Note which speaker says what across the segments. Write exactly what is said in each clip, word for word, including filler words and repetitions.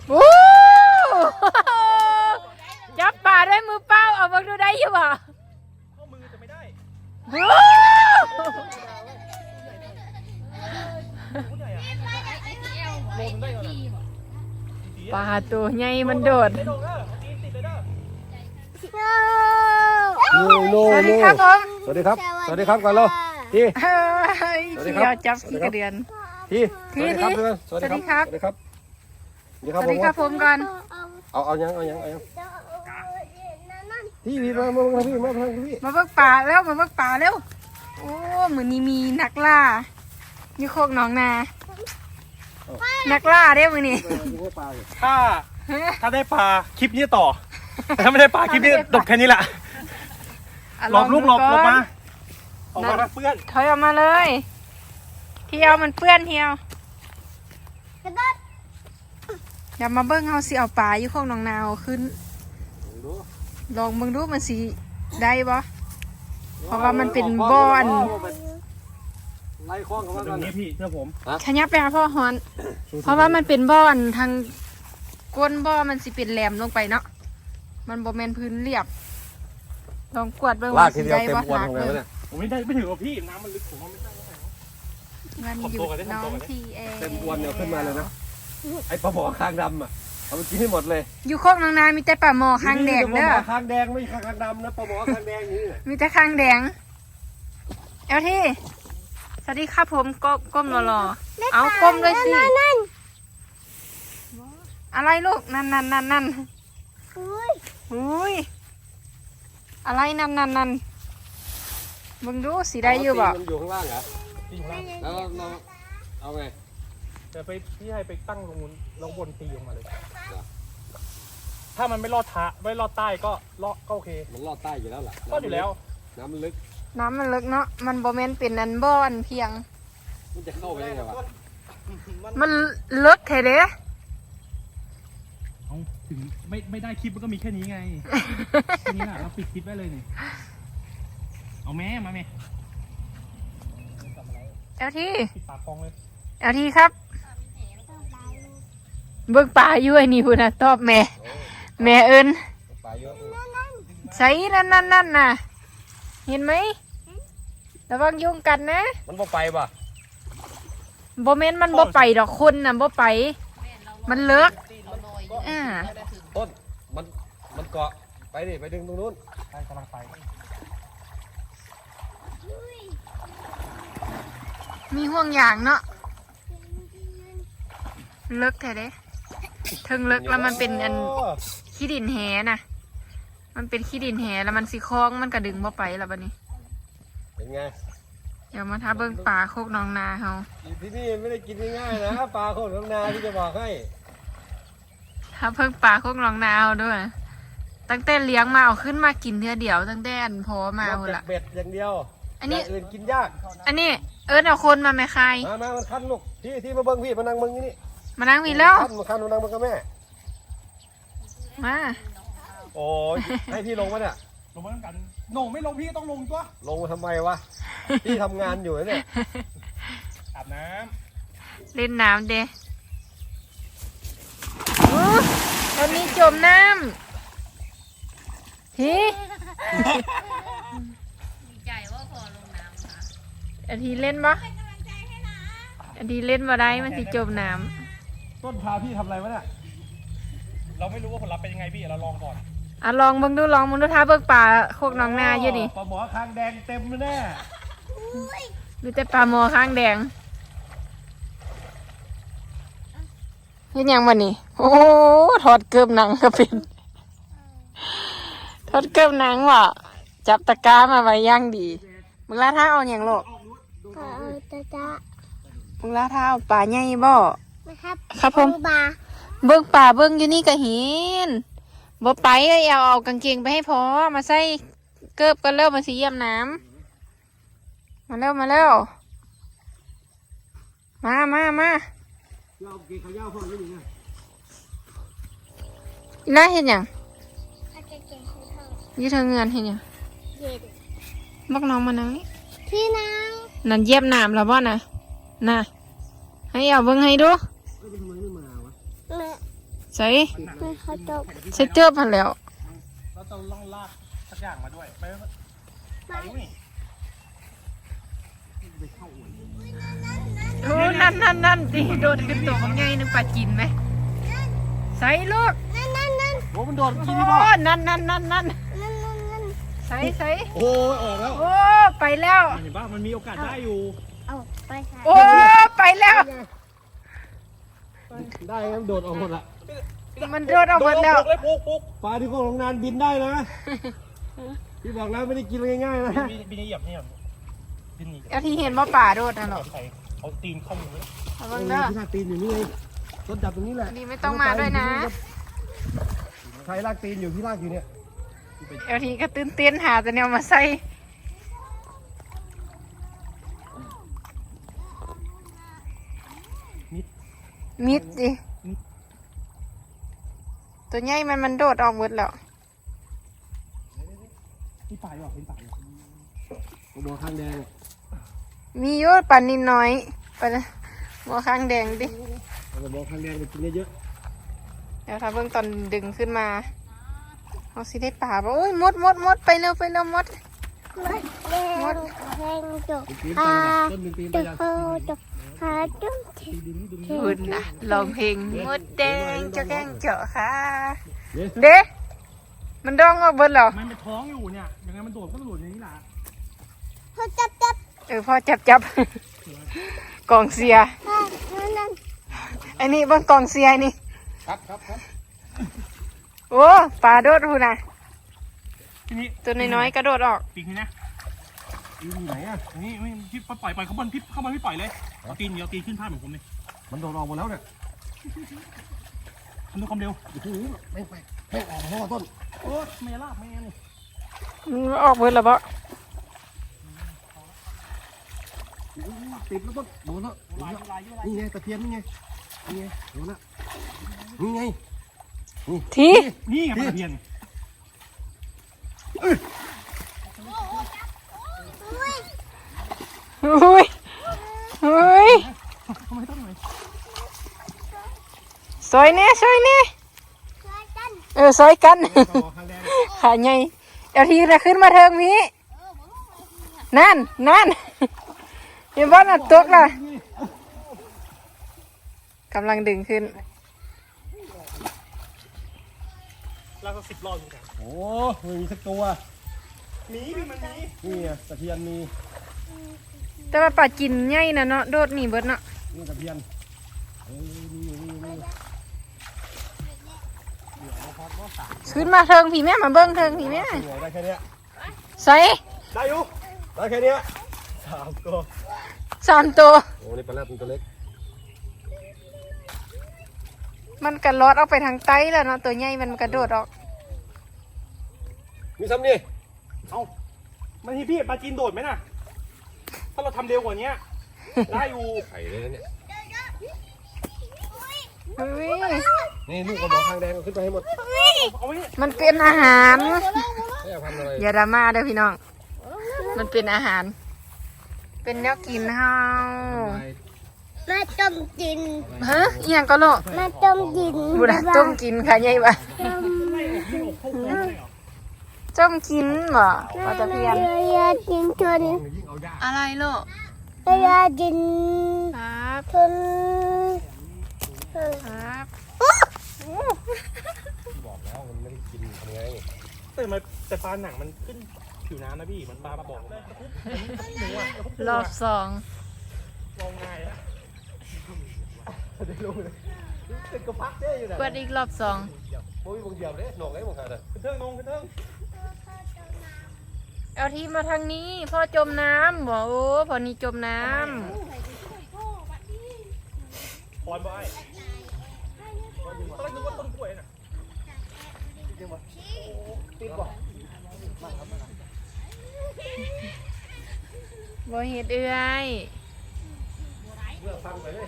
Speaker 1: โอ้จับปลาด้วยมือเปล่าเอาบังดูได้อยู่บ่
Speaker 2: ข้อมือจะไม่ได้
Speaker 1: ปลาตัวใหญ่มันโดด
Speaker 3: โน่โน่
Speaker 1: สวัสดีครับผม
Speaker 3: สวัสดีครับสวัสดีครับก่อนเราที
Speaker 1: เฮ้ยเขียวจับขี้กระเดือน
Speaker 3: ทีสวัสดีครับสวัสดีครับสวัสดีครับสวัสดีครับ
Speaker 1: สวัสดีครับผมก่อน
Speaker 3: เอาเอายังเอายังเอายังพี่พี่มามาพี่มาทางพี่
Speaker 1: มาเบิกป่าแล้วมาเบิกป่าแล้วโอ้เหมือนนี้มีนักล่าอยู่โคกหนองนานักล่าได้มือนี่
Speaker 2: ถ้าถ้าได้ปลาคลิปนี้ต่อถ้าไม่ได้ปลาคลิปนี้จบแค่นี้แหละหลบลูกหลบหลบมาออกมาเพื่อน
Speaker 1: ถอยออกมาเลยเที่ยวมันเปื้อนเที่ยวอย่ามาเบิ้งเอาสิเอาปลาอยู่โคกหนองนาขึ้นลองเบิ้งดูมันสีได้บ่เพราะว่ามันเป็นบ่อน
Speaker 3: ไล่คล้องเขามา
Speaker 2: ตรงนี้พี่เชื่อผม
Speaker 1: ขยับไปหาพ่อฮอน เพราะว่ามันเป็นบ่อนทางก้นบ่อมันสิเป็นแหลมลงไปเนาะมันบ่แม่นพื้นเรียบลองกวดเบิ้งว่าสิได้บ่ลากเบิ้ง
Speaker 2: ผมไม่ได้ไม่ถึงกับพี่น้ำมันลึกผมว่าไม่ได้
Speaker 1: มันอยู่น้องทีเอ
Speaker 3: เต็มอวนเนี่ยขึ้นมาเลยนะไอ้ปลาหมอคางดำอ่ะเอาไปกินให้หมดเลย
Speaker 1: อยู่โคกนางนามีแต่ปลาหมอคางแดงเด้อ
Speaker 3: ปลาหมอคางแดงไม่ใช่คางดำนะปลาหมอคางแดงนี่
Speaker 1: มีแต่คางแดงเอลที่สวัสดีครับผมก้มก้มรอๆเอาก้มด้วยสิอะไรลูกนั่นนั่นนั่นนั่นอุ้ยอะไรนั่นนั่นนั่นมึงดูสีได้อยู่บ่
Speaker 3: มันอยู่ข้างล่างเหรอ
Speaker 2: ตีอยู่ล่าง
Speaker 3: แล้วเราเอาไง
Speaker 2: แต่ไปพี่ให้ไปตั้งลงบนลงบนตีลงมาเลยถ้ามันไม่ลอดท้าไม่ลอดใต้ก็ลอดก็โอเค
Speaker 3: มันลอดใต้อยู่แล้วล่ะ
Speaker 2: ลอดอยู่แล้ว
Speaker 3: น้ำมันลึก
Speaker 1: น้ำมันลึกเนาะมันบ่แม่นเป็นอันบ่อนเพียง
Speaker 3: มันจะเข้าไปได้ไงวะ
Speaker 1: มันลึกแท้เด้
Speaker 2: เอาถึงไม่ไม่ได้คลิปมันก็มีแค่นี้ไงแค่นี้แหละเราปิดคลิปไว้เลยนี่เอาแม่มาแม่
Speaker 1: เอลที่
Speaker 2: ปิดปากคลองเลย
Speaker 1: เอลที่ครับเบิ่งป่าอยู่ไอ้นี่พุ่นน่ะตอบแม่แม่เอิ้น
Speaker 3: ปลาเยอะ
Speaker 1: ใส่นั่นนั่นนั่นน่ะเห็นไหมระวังยุงกัดนะ
Speaker 3: มันบ่ไปป่ะ
Speaker 1: บ่แม่นมันบ่ไปดอกคนน่ะบ่ไป มันเลิกอ่า
Speaker 3: ต้นมันมันเกาะไปดิไปดึงตรงนู้น
Speaker 2: ใช่กำลังไป
Speaker 1: มีห่วงอย่างเนาะเลิกแท้เด้ถึงเลิกแล้วมันเป็นอันขี้ดินแหน่ะมันเป็นขี้ดินแหแล้วมันสิคล้องมันก็ดึงบ่ไปแล้วบัดนี้
Speaker 3: เป็นไง
Speaker 1: เดี๋ยวมาท้าเบิ่งป่าโคกหนองนาเฮา
Speaker 3: ที่นี่ไม่ได้กินง่ายๆนะปลาโคตรน้ำนาที่จะบอกให้
Speaker 1: ถ้าเพิ่งป่าโคกหนองนาเฮาด้วยตั้งแต่เลี้ยงมาเอาขึ้นมากินเทื่อเดียวตั้งแต่อันพอมาพุ่นล่ะ
Speaker 3: เบ็ดอย่างเดียว
Speaker 1: อันนี้
Speaker 3: ย่างอื่นกินยาก
Speaker 1: อันนี้เอิ้นเอาคนมาแม่คาย
Speaker 3: มามามันคันลูกที่ที่มาเบิ้งพี่มานั่งเบิ้งนี่นี่
Speaker 1: มานั่งมีแล้ว
Speaker 3: คันมาคันมานั่งเบิ้งกับแม่
Speaker 1: มา
Speaker 3: โอ้ยให้พี่ลงมาเนี่ย
Speaker 2: ลงมาต้องกันโหน่งไม่ลงพี่ก็ต้องลงตัว
Speaker 3: ลงมาทำไมวะพี่ทำงานอยู่เนี่ย
Speaker 2: อาบน้
Speaker 1: เล่นน้ำเด้อู้ตอนนี้จมน้ำเฮ้
Speaker 4: ดีใจว่าพอลงน้ำค่ะ
Speaker 1: อันทีเล่นปะอันทีเล่นมาได้มันสิจมน้
Speaker 3: ต้นพาพี่ทำอะไรวะเนี่ย
Speaker 2: ำเราไม่รู้ว่าผลลัพธ์เป็นยังไงพี่เราลองก่อน
Speaker 1: ำอ่ะลองเบิ่งดูลองมึงดูท้าเบิ่งป่าโคกหนองนาอยู่นี่
Speaker 3: ปลาหมอคางแดงเต็มเลยแน่
Speaker 1: มีแต่ปลาหมอข้างแดงเห็นยังวันนี้โอ้ถอดเกือบหนังก็เป็นถอดเกือบหนังว่ะจับตะกร้ามาไว้ย่างดีมึงลาท่าเอาอย่างโลก
Speaker 4: ก็เอาจ้าจ้า
Speaker 1: มึงลาท่าเอาปลาใหญ่บ่
Speaker 4: นะครับ
Speaker 1: ครับผม
Speaker 4: บา
Speaker 1: เบิ่งป่าเบิ่งอยู่นี่ก็เห็นบ่ไปเอ้ยเอาเอากางเกงไปให้พอมาใส่เกิบกันเร็วมาสิเยี่ยมน้ำมาเร็วมาเร็วมามามา
Speaker 3: เราเกี่ยวขย่าพ่อนี่ไง
Speaker 1: อีน่าเห็นยัง
Speaker 4: อาเก่งๆให้เท่า
Speaker 1: ยี่เธอเงินเห็นยัง
Speaker 4: เย็น
Speaker 1: บักน้องมานั่งนี่
Speaker 4: ที่นั่ง
Speaker 1: นั่นเยี่ยมน้ำแล้วบ่นะน่ะให้เอาเบิ่งให้ดู
Speaker 3: ทำไมไม่มาวะ
Speaker 4: แม่
Speaker 1: สใส่
Speaker 4: ไม่เขาจบ
Speaker 1: ใส่เจือบพันแล้ว
Speaker 2: เราจะล่องลากสักอย่างมาด้วยไปไปนี่
Speaker 1: โอ้นั่นนั่นนั่นดิโดดขึ้นตัวมันไงนึกปลาจินไหมใส่ลูก
Speaker 4: นั่นนั่นนั่น
Speaker 3: โอ้มันโดด
Speaker 1: โอ้
Speaker 3: กินนี่ป่ะ
Speaker 1: นั่นนั่นนั่นนั่น
Speaker 4: นั่นนั่นนั่น
Speaker 1: ใส่ใส่
Speaker 3: โอ้ยออกแล้ว
Speaker 1: โอ้ไปแล้ว
Speaker 2: เห็นป่ะมันมีโอกาสได้อยู่
Speaker 4: เอาไปใส่
Speaker 1: โอ้ไปแล้ว
Speaker 3: ได้ครับโดดออกหมดละ
Speaker 1: มันโดดออกหมดแล้ว
Speaker 2: เลยปุ๊กปุ๊ก
Speaker 3: ปลาที่ก็ลงนานบินได้นะพี่บอกแล้วไม่ได้กินง่ายๆนะ
Speaker 2: บินบินเหยียบเนี่ยบินหนี
Speaker 1: เอาที่เห็นว่าป่าโดดนะเนาะ
Speaker 2: ใส่เอาตีนเข้ามือ
Speaker 1: ระวังเด้อ
Speaker 3: ที่ลากตีนอยู่นี่ไงต้นจับตรงนี้แหละ
Speaker 1: นี่ไม่ต้องมาด้วยนะ
Speaker 3: ใครลากตีนอยู่ที่ลากอยู่เนี่ย
Speaker 1: เอาทีก็ตื่นเต้นหาแต่แนวมาใส่มิดดิตัวใหญ่มันมันโดดออกหมดแล้ว
Speaker 2: นี่ป่าอยู่เป็นป่าอยู่
Speaker 3: บัวข้างแดง
Speaker 1: มีเยอะปันนิดน้อยไปนะบัวข้างแดงดิ
Speaker 3: เอาบัวข้างแดงไปกินเยอะ
Speaker 1: เดี๋ยวถ้าเบิ่งตอนดึงขึ้นมาเอาสิได้ป่าบ่โอ้ยมดมดมดไปเร็วไปเร็วมด
Speaker 4: มดแดงจบ
Speaker 3: ๆตีนไปนะต้นหนึ่งตีนไป
Speaker 4: จบ
Speaker 3: ยัง
Speaker 4: เขาจบขาจุ๊บ
Speaker 1: คุณนะลองเพลงมดแดงเจ้าแกงเจาะค่ะ
Speaker 3: เนี่ย
Speaker 1: เด้มันดองออกเบิดแล้ว
Speaker 2: มันเป็นท้องอยู่เนี่ยยังไงมันโดดก็โดดอย่างนี้แหละ
Speaker 4: เขาจับจับ
Speaker 1: เออพ่อจับจับ กองเสีย
Speaker 4: นั่นนั่น
Speaker 1: ไอ้นี่เบิ่งกองเสียนี่
Speaker 3: ครับครับครับ
Speaker 1: โอ้ปลาโดดหูนะ
Speaker 2: ทีนี้
Speaker 1: ตัวน้อยๆกระโดดออก
Speaker 2: ปีกนี่นะ
Speaker 3: ตีนอยู่ไหนอ่ะ
Speaker 2: นี่ไม่พี่ปล่อยปล่อยเขาบอลพี่เข้าบอลพี่ปล่อยเลยเอาตีนเดียวตีนขึ้นพาดเหมือนผมเลย
Speaker 3: มันโดดออกหมดแล้วเนี่ย
Speaker 2: ทำด้วยความเร็ว
Speaker 3: โอ้โหไม่ไปไม่ออกเพราะว่าต้น
Speaker 2: โอ้เมล่าแม่นี่
Speaker 1: มันออกเบิดแล้วบ่
Speaker 3: ติดแล้วต้นโดนแล้วโดน
Speaker 2: ลาย
Speaker 3: แล้ว
Speaker 2: ลายลาย
Speaker 3: นี่ไงตะเพียนนี่ไงนี่ไงโดนแล้วนี่ไง
Speaker 1: ที
Speaker 2: นี่ไงปลาตะเพียน
Speaker 1: อุ้ยอุ้ย
Speaker 2: ทำไมต้องไหน
Speaker 1: ซอยแน่ซอยแน่
Speaker 4: ช่วยกัน
Speaker 1: เออซอยกัน
Speaker 3: บัวข้างแดง
Speaker 1: ขาใหญ่เอาทีละขึ้นมาเทิงมีนั่นนั่นอยังบ้านอัดตกล่ะกำลังดึงขึ้น
Speaker 2: เราก็สิบรอบอยู่กัน
Speaker 3: โอ้ไม่มีสักตัว
Speaker 2: หนีพี่มันหนี
Speaker 3: นี่ไงตะเพียนมี
Speaker 1: แต่ว่าปลาจินใหญ่นะเนาะโดดหนีเบิดเนาะ
Speaker 3: นี่ตะเพียนเออนี่นี่นี่
Speaker 1: ขึ้นมาเทิงพี่แม่มาเบิ้งเทิงพี่แม่
Speaker 3: เหนื่อยได้แค่เนี้ย
Speaker 1: ใส่
Speaker 2: ได้อยู่
Speaker 3: ได้แค่เนี้ย
Speaker 2: สามตัว
Speaker 1: สามตัว
Speaker 3: โอ้นี่ปลาแรดตัวเล็ก
Speaker 1: มันกระลอดออกไปทางใต้แล้วเนาะตัวใหญ่มันกระโดดออก
Speaker 3: มีซ้ำนี่
Speaker 2: เอามันที่พี่ปลาจีนโดดไหมน่ะถ้าเราทำเร็วกว่านี้ได้อยู่
Speaker 3: ไข่เลยนะเนี่ย
Speaker 1: เฮ้ย
Speaker 3: นี่ลูกกระบอกทางแดงขึ้นไปให้หมด
Speaker 2: เอาไว้
Speaker 1: มันเป็นอาหาร
Speaker 3: ไม่อยากทำอะไร
Speaker 1: อย่าดราม่าเด้อพี่น้องมันเป็นอาหาร เป็นแนวกินเฮา
Speaker 4: แม่ต้มกิน
Speaker 1: ฮะอีหยังก็โลก
Speaker 4: แม่ต้มกิน
Speaker 1: บุระต้มกินค่ะใหญ่ปะ
Speaker 4: ต้ม
Speaker 2: ไม่ออกไม่ออกเข้าโค้งเลยเหรอ
Speaker 1: ต้มกินบ่ปลาตะเพียน
Speaker 4: ยากินชน
Speaker 3: ยิ่งเอายาก
Speaker 1: อะไรโลก
Speaker 4: ยากิน
Speaker 1: ครับ
Speaker 4: ชน
Speaker 1: ครับ
Speaker 3: บอกแล้วมันไม่ได้กินทำไง
Speaker 2: แต่มันแต่ปลาหนังมันขึ้นผิวน้ำนะพี่มันปลาปลาบอกหนูอ่ะ
Speaker 1: รอบสอง
Speaker 2: ลองง่ายอะ
Speaker 3: ได้รู้เลยเป็นกระพักเจ๊อยู่ไหน
Speaker 1: กดอีกรอบสอง
Speaker 3: โอ้ยบางเดียวเลยหนอกเลยบางขาดอ่ะ
Speaker 2: ขึ้นเทิงนงขึ้นเทิง
Speaker 1: เอาทีมาทางนี้พ่อจมน้ำบ่โอ้พอนี้จมน้
Speaker 2: พรบ่ไอ้ตอนแรกนึกว่าต้นกล้วยน่ะ
Speaker 3: ติดบ่
Speaker 1: ำบ่เห็ดเอื้อย
Speaker 3: เลือกฟังไปเลย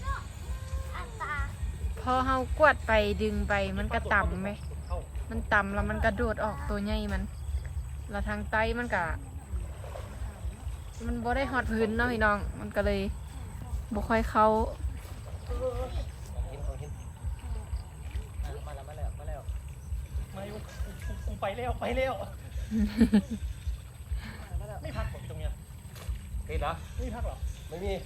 Speaker 1: พอเฮากวดไปดึงไปมันก็ต่ำไหมมันต่ำแล้วมันกระโดดออกตัวใหญ่มันแล้วทางใต้มันก็มันบ่ได้ฮอดพื้นเนาะพี่น้องมันก็เลยบ่ค่อยเข้า
Speaker 2: มาอยู่กูกูไปเร็วไปเร็วไม่พักผมตรงเนี้ย
Speaker 3: เห็นเหรอ
Speaker 2: ไม่พักหรอ
Speaker 3: ไม่มี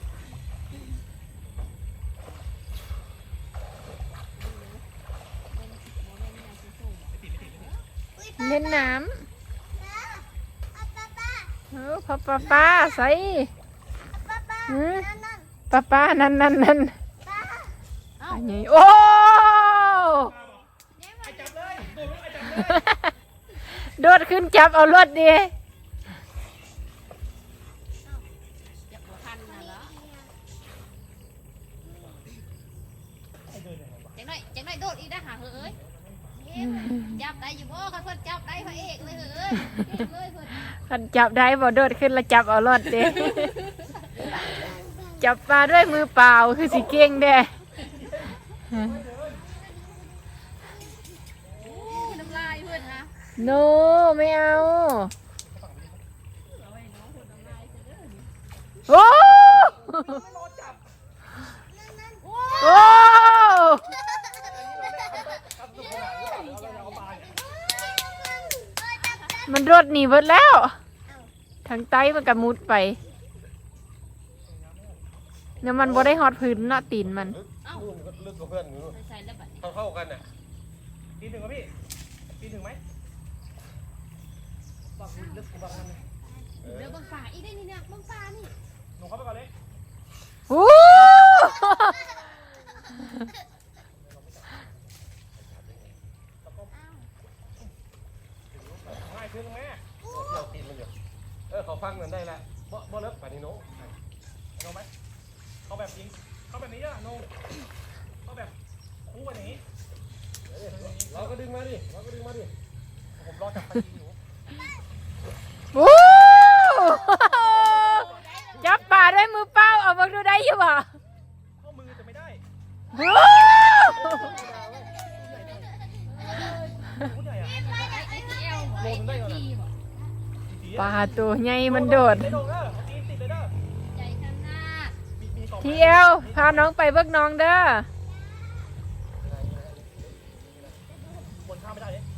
Speaker 1: เล่นน้ำเออพ่อป้าป้าใส่หือป้าป้านั่นนั่นนั่นอันนี้โอ้
Speaker 2: ไอ้จับเลยโดดลงไอ้จับเลย
Speaker 1: โดดขึ้นจับเอารถดี
Speaker 5: จังหน่อยจังหน่อยโดดอีกนะหาเฮ้ยจับได้อยู่บ่เขาเพิ่นจับได้พระเอกเลยเฮ้ยเลยเพิ่น
Speaker 1: คันจับได้บ่โดดขึ้นแล้วจับเอารถดี จับปลาด้วยมือเปล่าคือสิเก่งเด้
Speaker 5: น้ำลายเพิ่นนะ
Speaker 1: โนไม่เอาโอ้โอ้มันรถหนีเบิดแล้วทางใต้มันกระมุดไปเนี่ยมันบ่ได้ฮอดพื้นเนาะตีนมัน
Speaker 3: นู่นก็ลึกกว่าเพื่อนอยู่นู่น
Speaker 5: ใส่แล้วบัด
Speaker 3: เท่าเท่ากันน่ะ
Speaker 2: ปีนถึงครับพี่ปีนถึงไหมบังลึกกว่าบังนั่นเลย
Speaker 5: เดี๋ยวบังป่าอีกได้นี่เนี่ยบังป่านี่
Speaker 2: หนูเข้าไปก่อนเลย
Speaker 1: โอ้
Speaker 2: ง่ายขึ้นไหม
Speaker 3: เที่ยวตีนมันอยู่เออเขาฟังนั่นได้ละบ่บ่เลิกป่านนี้โน้
Speaker 2: ลงไหมเข้าแบบยิงเข้าแบบนี้อ่ะโนเข้าแบบคู่กันอย่างนี้
Speaker 3: เราก็ดึงมาดิเราก็ดึงมาดิ
Speaker 2: ผมรอจับไปยิงอยู่
Speaker 1: โหจับปลาด้วยมือเปล่าเอามาดูได้อยู่บ่
Speaker 2: ข้อมือจะไม่ได้
Speaker 1: โอ้
Speaker 2: คู่ใหญ่อะ
Speaker 5: ไอ้ที่เอวไอ้ที่บ่
Speaker 1: ปลาตัวใหญ่มันโดด
Speaker 2: ไม่โดนเด้อตีนติดเลยเด้อ
Speaker 5: ใจขนาด
Speaker 2: มีมีสอง
Speaker 1: เที่ยวพาน้องไปเบิกน้องเด้อ
Speaker 2: คนข้ามไม่ได้เลย